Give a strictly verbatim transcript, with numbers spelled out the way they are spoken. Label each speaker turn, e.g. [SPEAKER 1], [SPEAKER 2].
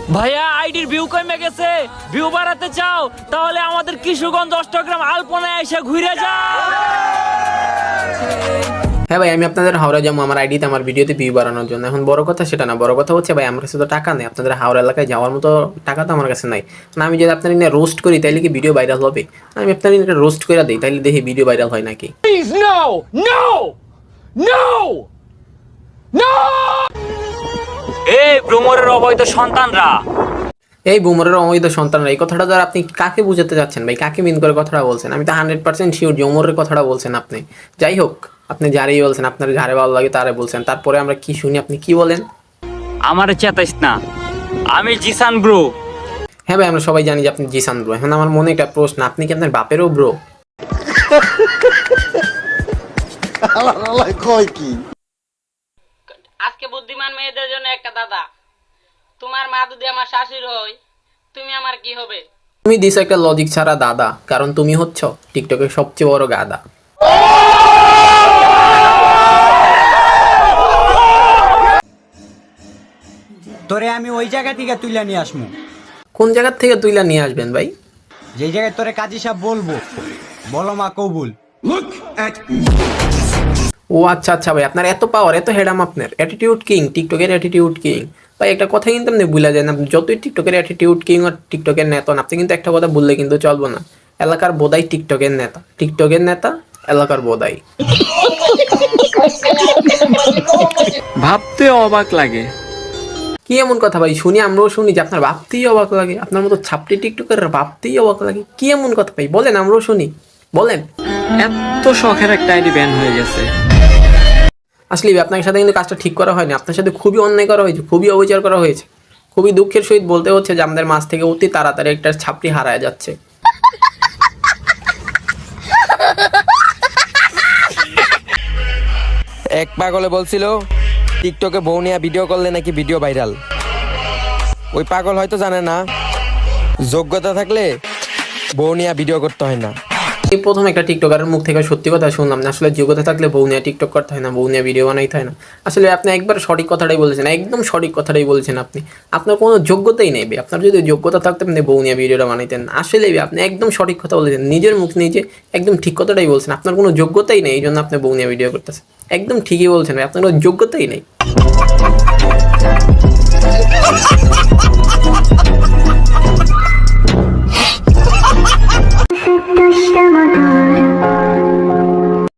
[SPEAKER 1] ভাইয়া আইডির ভিউ কমে গেছে, ভিউ বাড়াতে চাও তাহলে আমাদের কিশোরগঞ্জ অষ্টগ্রাম আলপনায় এসে ঘুরে যাও।
[SPEAKER 2] হ্যাঁ ভাই, আমি আপনাদের হাওড়া যাবো আমার আইডিতে আমার ভিডিওতে ভিউ বাড়ানোর জন্য। এখন বড় কথা সেটা না, বড় কথা হচ্ছে ভাই আমার কাছে তো টাকা নেই, আপনাদের হাওড়া এলাকায় যাওয়ার মতো টাকা তো আমার কাছে নাই না। আমি যদি আপনার নিয়ে রোস্ট করি তাইলে কি ভিডিও ভাইরাল হবে? আমি আপনার নিয়ে রোস্ট করে দিই তাইলে দেখি ভিডিও ভাইরাল হয় নাকি।
[SPEAKER 1] Please no no no no. এই ভ্রমরের অবৈধ সন্তানরা,
[SPEAKER 2] এই বুমরের অবৈধ সন্তানরা, এই কথাটা দ্বারা আপনি কাকে বুঝাতে যাচ্ছেন ভাই? কাকে মিন করে কথাটা বলছেন? আমি তো হান্ড্রেড পার্সেন্ট শিওর যে ওমরের কথাটা বলছেন আপনি। যাই হোক, আপনি যারেই বলছেন, আপনার যারে ভালো লাগে তারে বলছেন, তারপরে আমরা কি শুনি আপনি কি বলেন?
[SPEAKER 1] আমারে চেতাইস না, আমি জিসান ব্রো।
[SPEAKER 2] হ্যাঁ ভাই, আমরা সবাই জানি যে আপনি জিসান ব্রো। এখন আমার মনে একটা প্রশ্ন, আপনি কি আপনার বাপেরও ব্রো?
[SPEAKER 3] আজকে বুদ্ধিমান মেয়েদের জন্য একটা দাদা, তোমার মা যদি আমার শাশুড়ি হয়, তুমি আমার কি হবে?
[SPEAKER 2] তুমি দিস একটা লজিক ছাড়া দাদা, কারণ তুমি হচ্ছ টিকটকের সবচেয়ে বড় গাদা।
[SPEAKER 4] তোরে আমি ওই জায়গা থেকে তুইলা নিয়ে আসমু।
[SPEAKER 2] কোন জায়গার থেকে তুইলা নিয়ে আসবেন ভাই?
[SPEAKER 4] যেই জায়গায় তোরে কাজী সাহেব বলবো, বলো মা কবুল।
[SPEAKER 2] ও আচ্ছা আচ্ছা ভাই, আপনার এত পাওয়ার, এত হেডাম, আপনার অ্যাটিটিউড কিং, টিকটকের অ্যাটিটিউড কিং। ভাই একটা কথা কিন্তু আপনি ভুলে যান, আপনি যতই টিকটকের অ্যাটিটিউড কিং আর টিকটকের নেতা, আপনি কিন্তু একটা কথা বললে কিন্তু চলবো না, এলাকার বোধাই টিকটকের নেতা, টিকটকের নেতা এলাকার বোধাই।
[SPEAKER 1] ভাবতে অবাক লাগে।
[SPEAKER 2] কি এমন কথা ভাই? শুনি, আমরাও শুনি যে আপনার ভাবতেই অবাক লাগে, আপনার মতো ছাপটি টিকটকের ভাবতেই অবাক লাগে। কি এমন কথা ভাই বলেন, আমরাও শুনি, বলেন।
[SPEAKER 1] এত শখের একটা আইডি ব্যান হয়ে গেছে।
[SPEAKER 2] আসলে আপনার সাথে কিন্তু কাজটা ঠিক করা হয়নি, আপনার সাথে খুবই অন্যায় করা হয়েছে, খুবই অবিচার করা হয়েছে। খুবই দুঃখের সহিত বলতে হচ্ছে যে আমাদের মাছ থেকে অতি তাড়াতাড়ি একটা ছাপড়ি হারায় যাচ্ছে।
[SPEAKER 5] এক পাগলে বলছিল টিকটকে বউ নিয়ে ভিডিও করলে নাকি ভিডিও ভাইরাল। ওই পাগল হয়তো জানে না যোগ্যতা থাকলে বউ নিয়ে ভিডিও করতে হয় না।
[SPEAKER 2] এই প্রথম একটা টিকটকারের মুখ থেকে সত্যি কথা শুনলাম না, আসলে যোগ্যতা থাকলে বউ নিয়ে টিকটক করতে হয় না, বউ নিয়ে ভিডিও বানাইতে হয় না। আসলে আপনি একবার সঠিক কথাটাই বলেছেন, একদম সঠিক কথাটাই বলেছেন আপনি। আপনার কোনো যোগ্যতাই নেই, আপনার যদি যোগ্যতা থাকতে আপনি বউ নিয়ে ভিডিওটা বানাইতেন। আসলে আপনি একদম সঠিক কথা বলেছেন, নিজের মুখ নিজে একদম ঠিক কথাটাই বলছেন। আপনার কোনো যোগ্যতাই নেই, এই জন্য আপনি বউ নিয়ে ভিডিও করতেছেন। একদম ঠিকই বলছেন ভাই, আপনার কোনো যোগ্যতাই নেই।